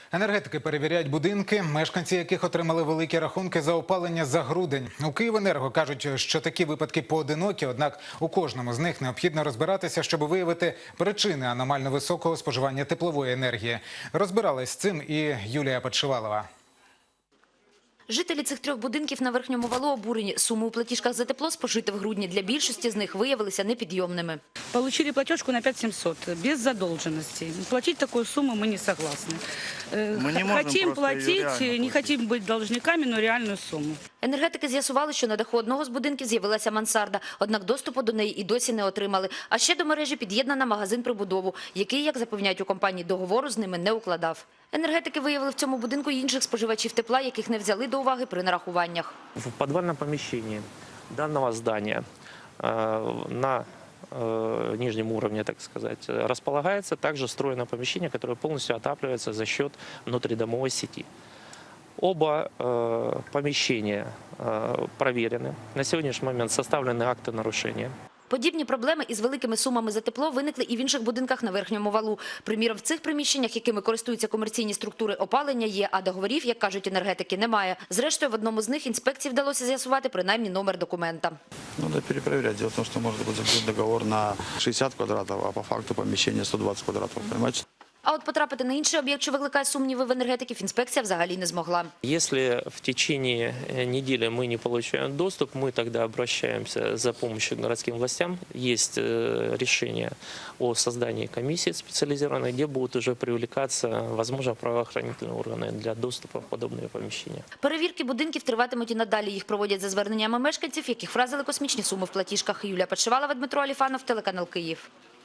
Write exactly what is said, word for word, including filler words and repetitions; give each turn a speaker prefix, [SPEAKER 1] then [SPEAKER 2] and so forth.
[SPEAKER 1] Енергетики перевіряють будинки, мешканці яких отримали великі рахунки за опалення за грудень. У «Київенерго» кажуть, що такі випадки поодинокі, однак у кожному з них необхідно розбиратися, щоб виявити причини аномально високого споживання теплової енергії. Розбиралась з цим і Юлія Подшивалова.
[SPEAKER 2] Жителі цих трьох будинків на Верхньому Валу обурені. Суми у платіжках за тепло, спожите в грудні, для більшості з них виявилися непідйомними.
[SPEAKER 3] Получили платежку на пять тысяч семьсот, без задолженности. Платить такую сумму мы не согласны.
[SPEAKER 4] Мы не можем
[SPEAKER 3] хотим платить,
[SPEAKER 4] платить,
[SPEAKER 3] не хотим быть должниками, но реальную сумму.
[SPEAKER 2] Енергетики з'ясували, що на даху одного з будинків з'явилася мансарда, однак доступу до неї і досі не отримали. А ще до мережі під'єднана магазин-прибудову, який, як запевняють у компанії, договору з ними не укладав. Енергетики виявили в цьому будинку й інших споживачів тепла, яких не взяли до уваги при нарахуваннях.
[SPEAKER 5] В подвальном помещении данного здания э, на э, нижнем уровне, так сказать, располагается также встроенное помещение, которое полностью отапливается за счет внутридомовой сети. Оба э, помещения э, проверены. На сегодняшний момент составлены акты нарушения.
[SPEAKER 2] Подібні проблеми із великими сумами за тепло виникли і в інших будинках на Верхньому Валу. Приміром, в цих приміщеннях, якими користуються комерційні структури, опалення є, а договорів, як кажуть енергетики, немає. Зрештою, в одному з них інспекції вдалося з'ясувати принаймні номер документа.
[SPEAKER 4] Надо перепроверять. Дело в том, что может быть заключен договор на шестьдесят квадратов, а по факту помещение сто двадцать квадратов. Понимаете?
[SPEAKER 2] А от потрапити на інший об'єкт, що викликає сумніви в енергетиків, інспекція взагалі не змогла.
[SPEAKER 5] Если в течение недели мы не получаем доступ, мы тогда обращаемся за помощью к городским властям. Есть решение о создании комиссии специализированной, где будут уже привлекаться, возможно, правоохранительные органы для доступа в подобные помещения.
[SPEAKER 2] Перевірки будинків триватимуть і надалі. Їх проводять за зверненнями мешканців, яких вразили космічні суми в платіжках. Юлія Подшивалова, Дмитро Аліфанов, телеканал «Київ».